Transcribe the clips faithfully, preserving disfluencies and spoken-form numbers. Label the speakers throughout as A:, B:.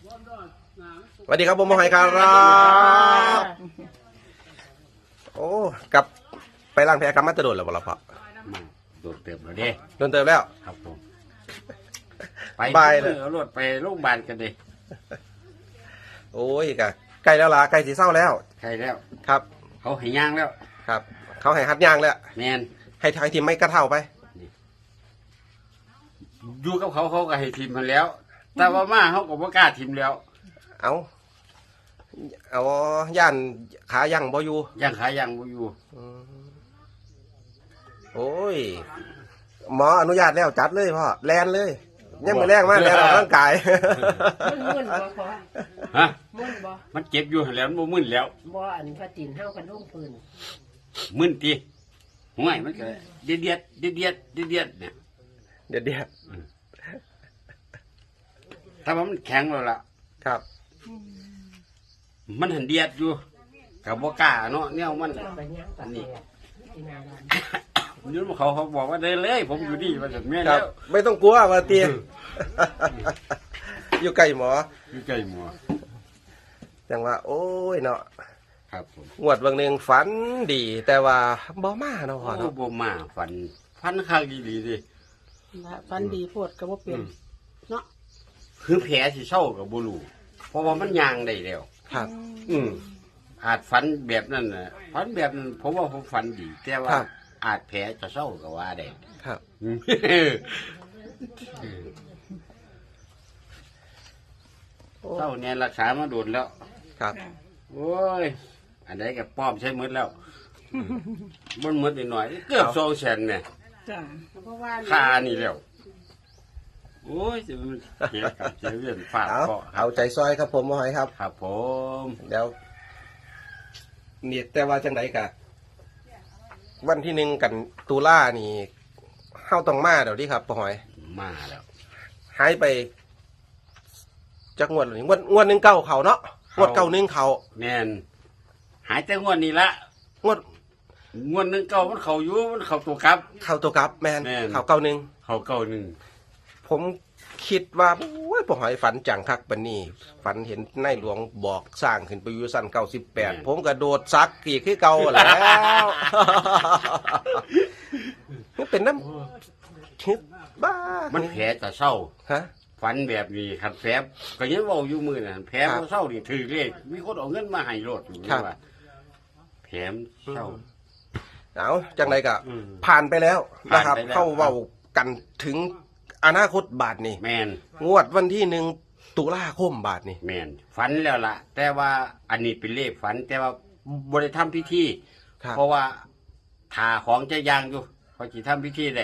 A: สวัสดีครับผมหมอหอยครับโอ้กลับไปล้างแผลกลับมาจะโดนแล้วบ่ล่ะพ่อ
B: โดนเติมแล้วเด้
A: โดนเติมแล้ว
B: ครับผมไปเลยเอารถไปโรงพยาบาลกันดิ
A: โอ้ยกะใกล้แล้วล่ะใกล้สีเศร้าแล้ว
B: ใกล้แล้ว
A: ครับ
B: เขาให้ย่างแล้ว
A: ครับเขาให้หัดย่างแล้ว
B: แมน
A: ให้ทางทีมไม่กระเท่าไป
B: อยู่กับเขาเขาก็ให้ทีมมาแล้วแต่ว่ามาเขาก็บ่กล้าทีมแล้ว
A: เอาเอาย่านขาย่างบ่อยู่
B: ย่างขาย่างบ่อยู่
A: โอ้ยหมออนุญาตแล้วจัดเลยพ่อแลนเลยยังไม่แรงมากแลนออกร่างกาย
C: มันมึนบ่พอ
B: ฮะ
C: มึนบ่
B: มันเจ็บอยู่แล้วมันบ่มึนแล้ว
C: บ่อันพระตีนเฮากันลงปืน
B: มึนติห่วยมันก็เดียดเดียดเดียดเดียดเดียดเดียดเนี่ย
A: เดียดเดียด
B: ถ้าว่ามันแข็งแล้วล่ะ
A: ครับ
B: มันหันเดียดอยู่กับบ่กล้าเนาะเนี่ยมันอันนี้ยืนมาเขาเขาบอกว่าได้เลยผมอยู่ดีมาจากแม่แล้ว
A: ไม่ต้องกลัวว่าเตี้ยอยู่ใกล้หมอ
B: อยู่ใกล้หมอ
A: จังว่าโอ้ยเนาะ
B: ครับผม
A: งวดบางหนึ่งฝันดีแต่ว่าบ่มาเนาะพ่อเนาะ
B: บ่มาฝันฝันข้างดีๆดิ
C: ฝันดีโพดก็บ่เป็นเนาะ
B: คือแผลสิเศร้ากับบ่รู้เพราะว่ามันยางได้แล้ว
A: ครับ
B: อืมอาจฝันแบบนั้นน่ะฝันแบบนั้นผมว่าผมฝันดีแต่ว่าอาจแผลจะเศร้าก็ว่าได้
A: ครับ
B: เศร้าเนี่ยรักษามาโดนแล้ว
A: ครับ
B: โอ้ยอันไหนกับป้อมใช้มืดแล้วบนมืดหน่อยเกือบโซเชนเนี่ยค่านี่แล้วโอ้ยจะมันเกี่ยวกับจะเรื่องฝาด
A: เคาะเอาใจซอยครับผมหมอหอยครับ
B: ครับผม
A: เดี๋ยวเนี่ยแต่ว่าจังไดกะวันที่หนึ่งกันตุลานี่เข้าต้องมาเดี๋ยวนี้ครับหมอหอย
B: มาแล้ว
A: หายไปจักงวดหรืองวดงวดหนึ่งเก้าเขาเนาะงวดเก้าหนึ่งเขา
B: แน่นหายแต่งวดนี้ละ
A: งวด
B: งวดหนึ่งเก้ามันเขาอยู่มันเขาตัวกับ
A: เขาตัวกับแมนเขาเก้าหนึ่ง
B: เขาเก้าหนึ่ง
A: ผมคิดว่าโอ้ยผมหอยฝันจังคักปานนี้ฝันเห็นนายหลวงบอกสร้างขึ้นไปอยู่สั้นเก้าสิบแปดผมกระโดดซักกี่ขึ้นเก่าแล้วมันเป็นน้ำคิดบ้า
B: มันแผลจะเศร้า
A: ฮะ
B: ฝันแบบนี้ขัดแผลก็ยังว่าอยู่มือน่ะแผลมันเศร้านี่ถือเลขมีคนเอาเงินมาให้รถอยู่ว่าแผลเศร้า
A: เอาจังไรกะผ่านไปแล้วนะครับเข้าเว้ากันถึงอนาคตบาทนี่
B: แมน
A: งวดวันที่หนึ่งตุลาคมบาทนี่
B: แมนฝันแล้วล่ะแต่ว่าอันนี้เป็นเลขฝันแต่ว่าบริทำพิธีเพราะว่าถาของจะยางอยู่พอจีทำพิธีได้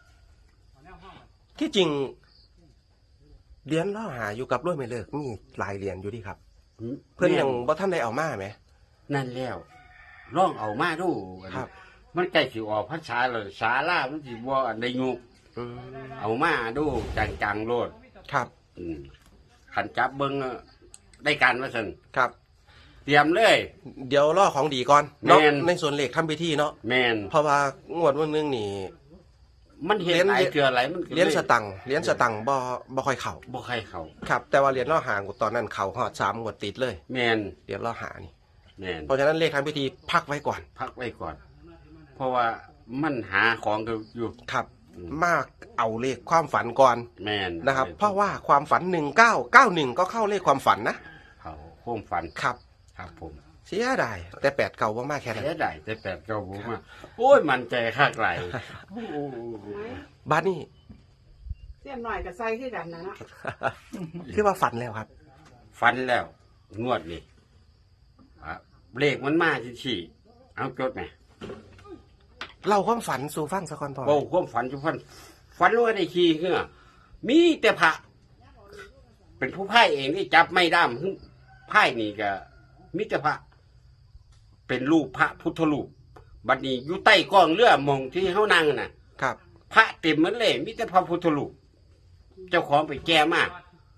A: ที่จริงเรียนล่อหาอยู่กับด้วยไม่เลิกมีหลายเรียนอยู่ดีครับเพื่อนยังบ่ท่านได้เอามาไหม
B: นั่นแล้วร่องเอามาดูครับมันใกล้สิออกพรรษาเลยสาลามันสิบ่อันใดยุกเอามาดูจังๆโลด
A: ครับ
B: ขันจับเบิ้งได้การว่าสัน
A: ครับ
B: เตรียมเลย
A: เดี๋ยวล่อของดีก่อนเนาะในส่วนเหล็กทำพิธีเนาะ
B: แมน
A: เพราะว่างวดวันนึงนี่
B: มันเห็นไหลเกลือไหลมัน
A: เลี้ยนสตังเลี้ยนสตังบ่บ่ค่อยเข่า
B: บ่ค่อยเข่า
A: ครับแต่ว่าเลี้ยนล่อหางตอนนั้นเข่าหอดสามงวดติดเลย
B: แมน
A: เลี้ยนล่อหานี่
B: แมน
A: เพราะฉะนั้นเลขทำพิธีพักไว้ก่อน
B: พักไว้ก่อนเพราะว่ามันหาของอยู่
A: ครับมากเอาเลขความฝันก่อน
B: แมน
A: นะครับเพราะว่าความฝันหนึ่งเก้าเก้าหนึ่งก็เข้าเลขความฝันนะ
B: เขาความฝัน
A: ครับ
B: ครับผม
A: เสียดายแต่แปดเก่าว่ามากแค่นั้น
B: เสียดายแต่แปดเก่าผมมาโอ้ยมันใจข้างไหล
A: บ้านนี่
C: เสียหน่อยกับไส้ที่กันนะเนาะ
A: คือว่าฝันแล้วครับ
B: ฝันแล้วงวดนี่เลขมันมาชี้เอาจดไหม
A: เราความฝันสู่ฟังสักคนพอ
B: โอ้ความฝันสู่ฟังฝันว่าได้ขี่เหรอมีแต่พระเป็นผู้พ่ายเองที่จับไม่ด้ามพ่ายนี่ก็มิตรพระเป็นรูปพระพุทธรูปบัดนี้อยู่ใต้กองเรือมองที่เขานั่งน่ะ
A: ครับ
B: พระเต็มเหมือนเลยมิตรพระพุทธรูปเจ้าของไปแก้มาก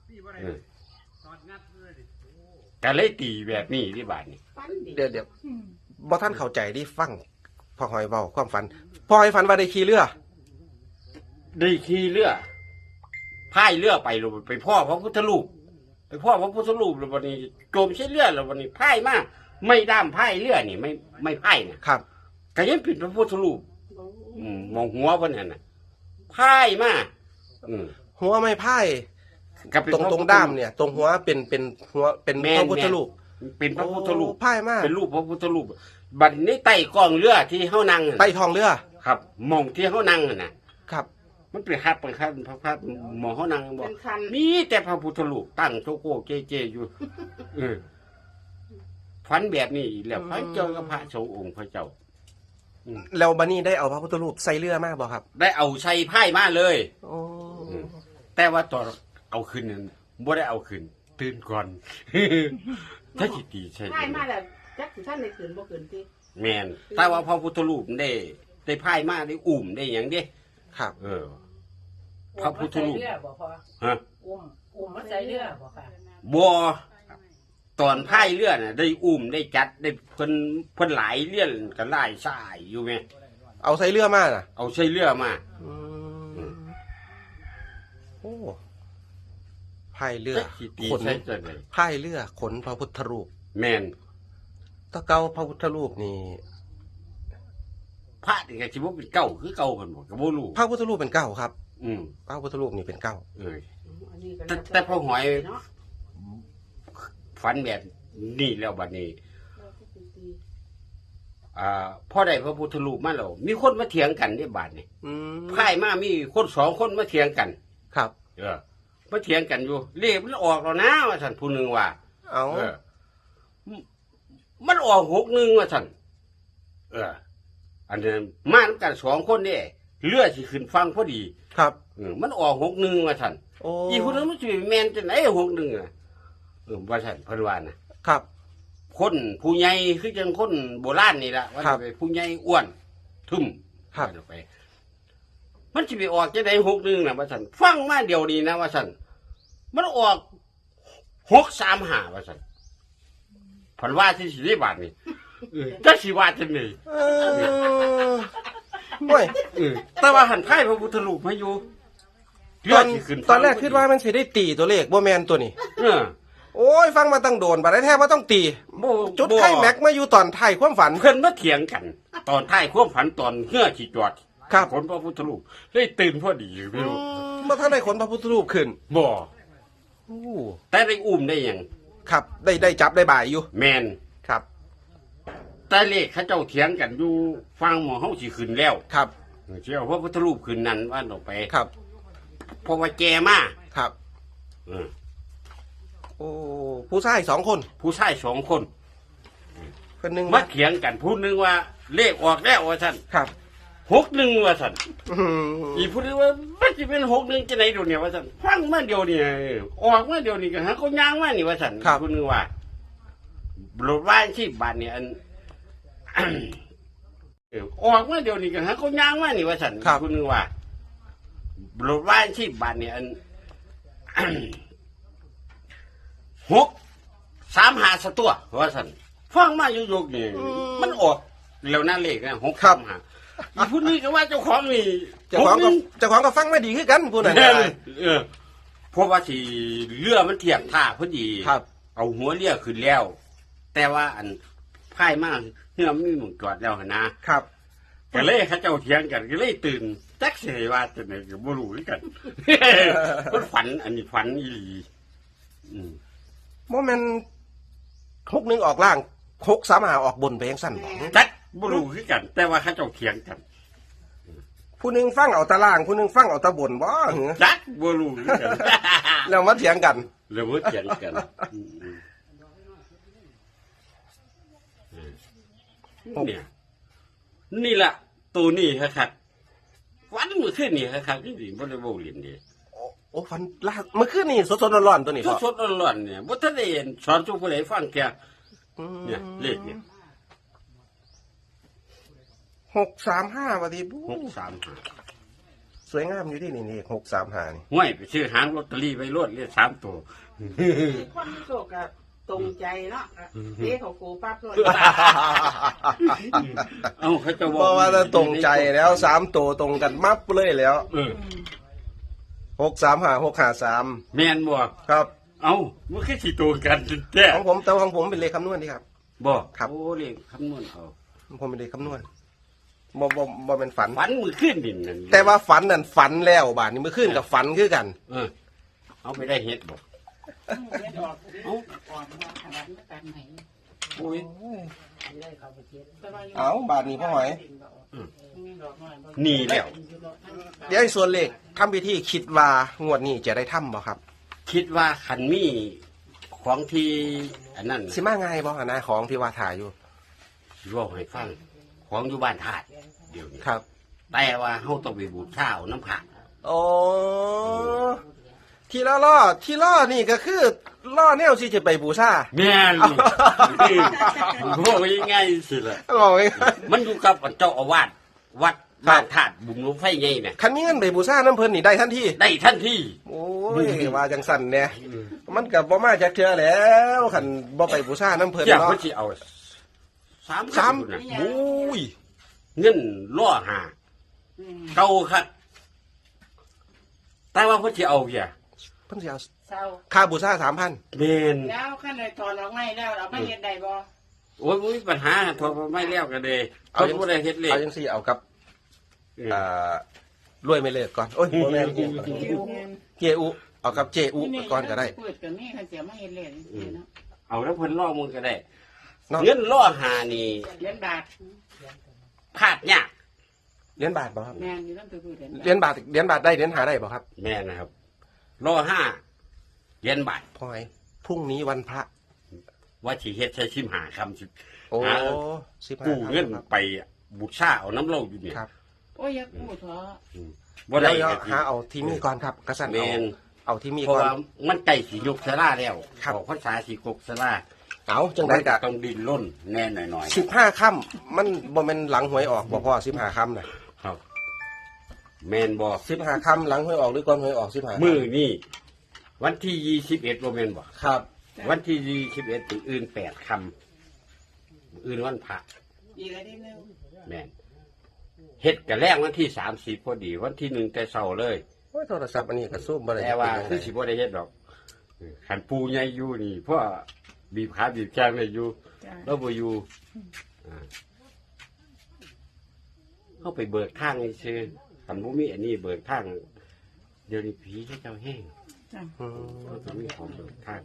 B: แต่เลยตีแบบนี้ที่บ้านนี่
A: เดี๋ยวเดี๋ยวบ่ท่านเข้าใจดิฟังพอหอยเบาความฝันพอหอยฝันว่าได้ขี่เรือ
B: ได้ขี่เรือพายเรือไปลงไปพ่อพระพุทธรูปไปพ่อพระพุทธรูปแล้ววันนี้โจมใช้เลือดแล้ววันนี้พ่ายมากไม่ด้ามพ่ายเลือดนี่ไม่ไม่พ่ายเนี่ย
A: ครับ
B: ก็ยังเป็นพระพุทธรูปอืมมองหัวเพิ่นนั่นน่ะพ่ายมากอืม
A: หัวไม่ไพ่
B: ก็เป็น
A: ตรง
B: พะ
A: ตรงด้ามเนี่ย ตรงหัวเป็นเป็นหัวเป็น
B: แม่น
A: พระพุทธรูป
B: เป็นพระพุทธรูป
A: โอ้ไพ่มาก
B: เป็นรูปพระพุทธรูปบัดนี้ใต้กองเรือที่เฮานั่งน่ะ
A: ใต้ท้องเรือ
B: ครับมองที่เฮานั่งน่ะ
A: ครับ
B: มันเป็นครับเป็นครับพระพระหมอเขานั่งบอ
C: เป็
B: ก
C: นคัน
B: มีแต่พระพุทธรูปตั้งโชโก้เจเจอยู่เออฝันแบบนี้อีกแล้วฝันเจอกับพระสงฆ์องค์พระเจ้า
A: แล้วบันนี้ได้เอาพระพุทธรูปใส่เรือมากบ่ครับ
B: ได้เอาใส่ไพ่มาเลย
A: โอ้
B: แต่ว่าตอนเอาขึ้นนั้นบ่ได้เอาขึ้น ตื่นก่อน ถ้าจิตดีใช่
C: ใช่มาแล้วจักสิท่านได้ขืนบ่ขืนติ
B: แมนแต่ว่าพระพุทธรูปได้ได้ไพ่มาได้อุ่มได้อย่างเด้
A: ครับ
B: เออ พระพุทธรูป
D: อุ้มมาใส่เรือบ่พอ
B: ฮะ
D: อุ้มอุ้มมาใส่เรือบ่ค่ะ
B: บัวตอนพายเรือน่ะ ได้อุ้มได้จัดได้เพิ่นเพิ่นหลายเรื่องกันหลายสายอยู่ไหม
A: เอาใส่เรือมาน่ะ
B: เอาใช้เรือมา
A: อืมโอ้พายเรือ
B: จักสิตี
A: ขน
B: ใช้จังได๋
A: พายเรือขนพระพุทธรูป
B: แมน
A: ตะเกาพระพุทธรูปนี่
B: พระนี่ก็สิบ่เป็นเก่าคือเก่าเพิ่นบ่ก็บ่รู้
A: พระพุทธรูปเป็นเก้าครับ
B: อืม
A: พระพุทธรูปนี่เป็นเก้า
B: เออ
C: อันนี้ก็
B: แต่แต่พอหอย
C: เนาะ
B: ฝันแบบนี้แล้วบัดนี้ อ่าพอได้พระพุทธรูปมาแล้วมีคนมาเถียงกันในบาดนี่
A: อืม
B: พายมามีคนสองคนมาเถียงกัน
A: ครับ
B: เออมาเถียงกันอยู่เลขมันออกแล้วนะว่าซั่นผู้หนึงว่า
A: เอา
B: เออ มันออกหกหนึ่งว่าสั่นเออ อันนี้มาน้ำกันสองคนเนี่ยเลือดสิขึ้นฟังพอดี
A: ครับ
B: เออมันออกหกหนึ่งว่าสั่น
A: โอ้
B: อีคนนั้นมันจะแมนจะไหนหกหนึ่งอ่ะเออว่าสั่นเพันวานะครับ คนผู้ใหญ่คือจังคนโบราณนี่แหละว่า
A: ครั
B: จะ
A: บ
B: ไปผู้ใหญ่อ้วนทุ่ม
A: ครับ
B: ว่าจะไป มันจะไปออกจะไหนหกหนึ่งนะว่าสั่นฟังมาเดียวนี้นะว่าสั่นมันออกหกสามห้าว่าสั่นพันว่าที่สี่บาทนี่เออจะสิว่าจังไง
A: เออโอ้ย
B: เออแต่ว่าหันไพ่พระพุทธรูปมาอยู่
A: ตอน
B: เลืดสิขึ้
A: ตอนแรกคิดว่ามันสิได้ตีตัวเลขบ่แมนตัวนี้
B: เออ
A: โอ้ย ฟังมาตั้งโดนบัดได้แท้ว่าต้องตี
B: บ่
A: จุด
B: บ่
A: ไข่แม็กมาอยู่ตอนไทายความฝัน
B: เพิ่นมาเถียงกัน ตอนท้ายความฝันตอนเฮือขีจอด
A: ครับ
B: ผลพระพุทธรูปเลยตื่นพอดีไม่รู้
A: เมื่อท่านได้ขนพระพุทธรูปขึ้น
B: บ่
A: โอ้
B: แต่ได้อุ้มได้หยัง
A: ครับ ได้ได้จับได้บ่ายอยู่
B: แมน
A: ครับ
B: แต่เลขเขาเจ้าเถียงกันอยู่ฟังหมอเฮาสิขึ้นแล้ว
A: ครับ
B: เจ้าพระพุทธรูปขึ้นนั้นว่าออกไป
A: ครับ
B: เพราะว่าแกมา
A: ครับ
B: เออ
A: โอ้ผู้ชายสองคน
B: ผู้ชายสองคน
A: คนหนึ่ง
B: มาเถียงกันผู้หนึงว่า เลขออกแล้วว่าซั่น
A: ครับ
B: หกหนึ่งว่าซั่น
A: อืม
B: อีผู้นึงว่ามันจะเป็นหกหนึ่งจะไหนเดี๋ยวนี้ว่าสันฟังมาเดียวนี่ออกมาเดียวนี่ก็หาเขาย่างมานี่ว่าสันอีผู้นึงว่าโหลดว่านที่บาทเนี่ยอัน เออออกมาเดียวนี่ก็หาเขาย่างมานี่ว่าสันอีผู้นึงว่าโหลดว่านที่บาทเนี่ยอัน หกสามหาสตัวว่าสันฟังมาอยู่ๆนี่มันออกแล้วนั่นเลขนะหกสามหาอีผู้นี้ก็ว่าเจ้าของนี่
A: เจ้าของก็เจ้าของก็ฟังไม่ดีคือกันผู้นั้น
B: เอ
A: ได้
B: อเออเพราะว่าสิเรือมันเทียบท่าพอดี
A: ครับ
B: เอาหัวเรือขึ้นแล้ว แต่ว่าอันพายมากเรือไม่หมุนจอดแล้วหั่นนะครับ ก็เลยเขาเจ้าเถียงกันก็เลยตื่นจักเสยว่าจะไหนก็บ่รู้คือกัน มันฝัน อันนี้ฝันอีหลีอืม
A: โมเมนหกหนึ่งออกล่างหกสามหาออกบนไปยังสั้นบอก
B: จักบ่รู้คือกัน แต่ว่าเขาเจ้าเถียงกัน
A: ผู้หนึ่งฟังเอาตะล่างผู้หนึ่งฟังเอาตะบนบ่เหรอ
B: จักบ่รู้คือกัน
A: แล้วมาเถียงกัน
B: แล้วบ่เถียงกันอืมอืมเนี่ย นี่ล่ะตัวนี้ครับวันเมื่อคืนนี่ครับที่ดิบ่ได้บ่เรียนดี
A: โอ้โอ้ฟันลากเมื่อคืนนี่สดๆร้อนๆตัวนี้
B: ส
A: พ่อ
B: ดสดๆร้อนๆเนี่ยบ่ทันได้เห็นสอนทุกผู้ใดฟังแก
A: อืม
B: เนี่ยเลขเนี่ย
A: หกสามห้าวันทีบู๊
B: หกสามห้า
A: สวยงามอยู่ที่นี่นี่หกสามห้านี่
B: ห้วยไปซื้อหางลอตเตอรี่ไว้รวดเลขสามตัว
C: คนโชคกับตรงใจเนาะเด้เขากูปั๊บเลย
B: เอ้าเขาจะ
A: เพราะว่าถ้าตรงใจแล้วสามตัวตรงกันมับเลยแล้ว
B: เออ
A: หกสามห้าหกห้าสาม
B: แม่นบ่
A: ครับ
B: เอามันคือสิตัวกันแท้
A: ของผมแต่ว่าของผมเป็นเลขคำนวณนี่ครับ
B: บ่
A: ครับ
B: โอ้เลขคำนวณเอา
A: ผมเป็นเลขคำนวณบ่บ่บ่เป็นฝัน
B: ฝันมือขึ้นดินนั่น
A: แต่ว่าฝันนั่นฝันแล้วบาดนี้เมื่อคืนกับฝันคือกัน
B: เออเอาไปได้เฮ็ดบ่
C: เล่นออกเอ้าก่อนว่าขนาดกันไหน
B: โอ้ย
D: ได้เข้าไปเทียน
A: เอาบาดนี้พ่อหอย
B: นี่แล้ว
A: เดี๋ยวไอ้ส่วนเลขทำพิธีคิดว่างวดนี้จะได้ทำบ่ครับ
B: คิดว่าคันมีของที่อันนั้น
A: สิมาง่ายบ่นะของที่ว่าถ่ายอยู่
B: สิบอกให้ฟังของอยู่บ้านธาตุเดี๋ยวนี้
A: ครับ
B: แต่ว่าเฮาต้องไปบูชาเอาน้ำผัก
A: โอ้ทีละล่อทีล่อนี่ก็คือล่อแนวสิจะไปบูชา
B: แม่นบอกยังไงสิล่ะ
A: บอกไง
B: มันอยู่กับเจ้าอาวาสวัดบ้านธาตุบุญหลวงไฟใหญ่เนี่ย
A: คันมีเงินไปบูชาน้ำเพิ่นนี่ได้ทันที
B: ได้ทันที
A: โอ้ยว่าจังสั่นเนี่ยมันกับบ่มาจากเทื่อแล้วคันบ่ไปบูชาน้ำเพิ่น
B: เจ้า
A: เนาะ
B: เพิ่นสิเอาสาม
A: สาม
B: คำน่ะ
A: โอ้ย
B: เงินล่อหาเก่าคักแต่ว่าเพิ่นสิเอาเพีย
A: เพิ่นสิเอา
C: เศร้า
A: ค่าบูชาสามพัน
B: แม่น
C: แล้วขั้นเลยถอนออกไม่แล้วเอาไม่เห็นใดบ่
B: โอ้ยบ่มีปัญหาโทรมาไม่แล้วก็ได้เอาบ่ได้เฮ็ดเลย
A: เอาจังซี่เอากับอ่ารวยไม่เลิกก่อนโอ้ยบ่แม่นเจอุเอากับเจอุก่อนก็ได้
C: เปิดกับนี่คันเสียไม่เห็นเลยเนาะ
B: เอาแล้วเพิ่นล่อมึงก็ได้
A: เนาะ
B: เงินล่อหานี่
C: เหรียญบาท
B: พลาดยาก
A: เหรียญบาทบ่ครับ
C: แม่นอยู่ต้องไปพูดเหรียญ
A: เหรียญบาทเหรียญบาทได้เหรียญหาได้บ่ครับ
B: แม่นะครับล่อห้าเหรียญบาท
A: พ่อไอ้พรุ่งนี้วันพระ
B: ว่าสิเฮ็ดใช้ชิมหาคำสิ
A: โอ้
B: หา
A: สิบห้า
B: กู้เงิน
A: ครับ
B: ไปบูชาเอาน้ำเหล้าอยู่เนี่ย
A: ครับ
C: โอ้ยอยากพูดเถอะ
B: บ่ได้
A: เดี๋ยว
B: ก็
A: หาเอาที่มีก่อนครับกระสัน
B: แม่
A: เอา
B: น
A: เอาที่มี
B: เพราะ
A: ก่อน
B: ว่ามันใกล้สิยกสลาแล้ว
A: ครับ
B: ออกพรรษาสิกกสลา
A: เอาจังไดกะ
B: ต้องดินล้นแน่หน่อย
A: สิบห้าค่ำมันบ่แม่นหลังหวยออกบ่พ่อสิบห้าค่ำน่ะ
B: ๆครับ แม่นบ่
A: สิบห้าค่ำหลังหวยออกหรือก่อนหวยออกสิบห้า
B: มื้อนี้วันที่ยี่สิบเอ็ดบ่แม่นบ่
A: ครับ
B: วันที่ยี่สิบเอ็ดถึงอื่นแปดคำอื่นวันพระ
C: อีกอะไรนิดนึง
B: แม่นเฮ็ดกันแรกวันที่สามสิบพอดี วันที่หนึ่งแต่เช้าเลย
A: โอ้ยโทรศัพท์อันนี้ก็ซูมบ่ได้
B: แต่ว่า
A: เป็น
B: คือ
A: จัง
B: สิ
A: ได
B: บ่ได้เฮ็ดดอกขันปูใหญ่อยู่นี่เพราะบีบขาบีบแข้งได้อยู่
C: จ้า
B: แล้วบ่อยู่อ่าเข้าไปเบิกทางนี่ซื่อขันบ่มีอันนี้เบิกทางเดี๋ยวนี้ผีเขาเจ้าแห้ง
C: จ้า
A: อืม
B: เขาจะมีของเบิกทาง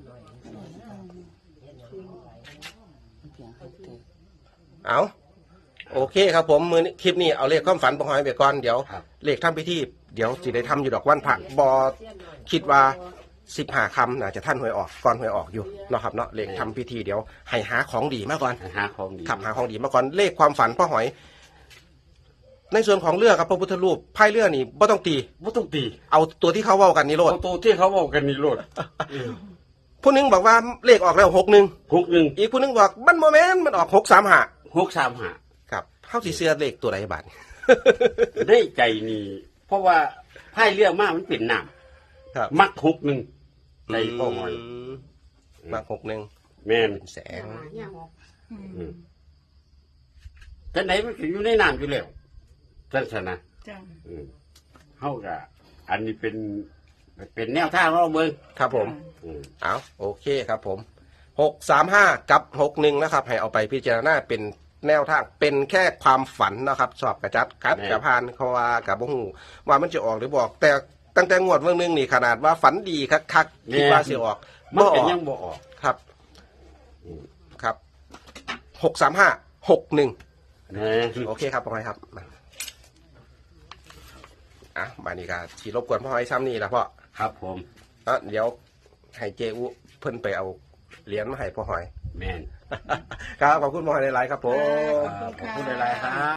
A: เอาโอเคครับผมมือนี้คลิปนี้เอาเลขความฝันบ่หอยไปก่อนเดี๋ยว
B: ครับ
A: เลขทำพิธีเดี๋ยวสิได้ทำอยู่ดอกวันพระบ่คิดว่าสิบห้าคำน่าจะท่านหวยออกก่อนหวยออกอยู่เนาะครับเนาะเลขทำพิธีเดี๋ยวให้หาของดีมาก่อน
B: หาของดี
A: ขับหาของดีมาก่อนเลขความฝันพ่อหอย ในส่วนของเรือกับพระพุทธรูปไพ่เรือนี่บ่ต้องตี
B: บ่ต้องตี
A: เอาตัวที่เขาเว้ากันนี่โลด
B: เอาตัวที่เขาบอกกันนี่โลด
A: ผู้หนึงบอกว่าเลขออกแล้วหกหนึ่ง
B: หกหนึ่ง
A: อีกผู้หนึงบอกมันโมเมนต์มันออกหกสามห้า
B: หกสามห้า
A: ครับเข้าสีเสื้อเลขตัวไหนบาท
B: ได้ใจนี่เพราะว่าไพ่เรือมากมันเป็นน้
A: ครับ
B: ำมักหกหนึ่งใจพ่อหอย
A: มมาหกหนึ่ง
B: แม่น
A: แสง
B: อืมจังไหนมันก็อยู่ในน้ำอยู่แล้วจังสนะ
C: จ้า
B: อืมเฮาก็อันนี้เป็น เป็นแนวทางเราเบิ่ง
A: ครับผม
B: อืม
A: เอาโอเคครับผมหกสามห้ากับหกหนึ่งนะครับ ให้เอาไปพิจารณาเป็นแนวทางเป็นแค่ความฝันนะครับ สอบกระจัดคัดกระพานเขาว่ากับบ่ฮู้ว่ามันจะออกหรือบอก แต่ตั้งแต่งวดเมื่อนึงนี่ขนาดว่าฝันดีคักๆคิดว่าสิออก
B: มัน
A: บ่อ
B: ก็
A: อก
B: ยังบ่ออก
A: ครับครับหกสามห้าหกหนึ่ง
B: นะ
A: โอเคครับพ่อหอยครับมาอ่ะมานี่ก็ทีรบกวนพ่อหอยซ้ำนี่ละพ่อ
B: ครับผม
A: อ่ะเดี๋ยวให้เจอุเพิ่นไปเอาเหรียญมาให้พ่อหอย
B: แม่น
A: ครับขอบคุณพ่อหอยหลายๆครับผม
B: ขอบคุณหลายๆครับ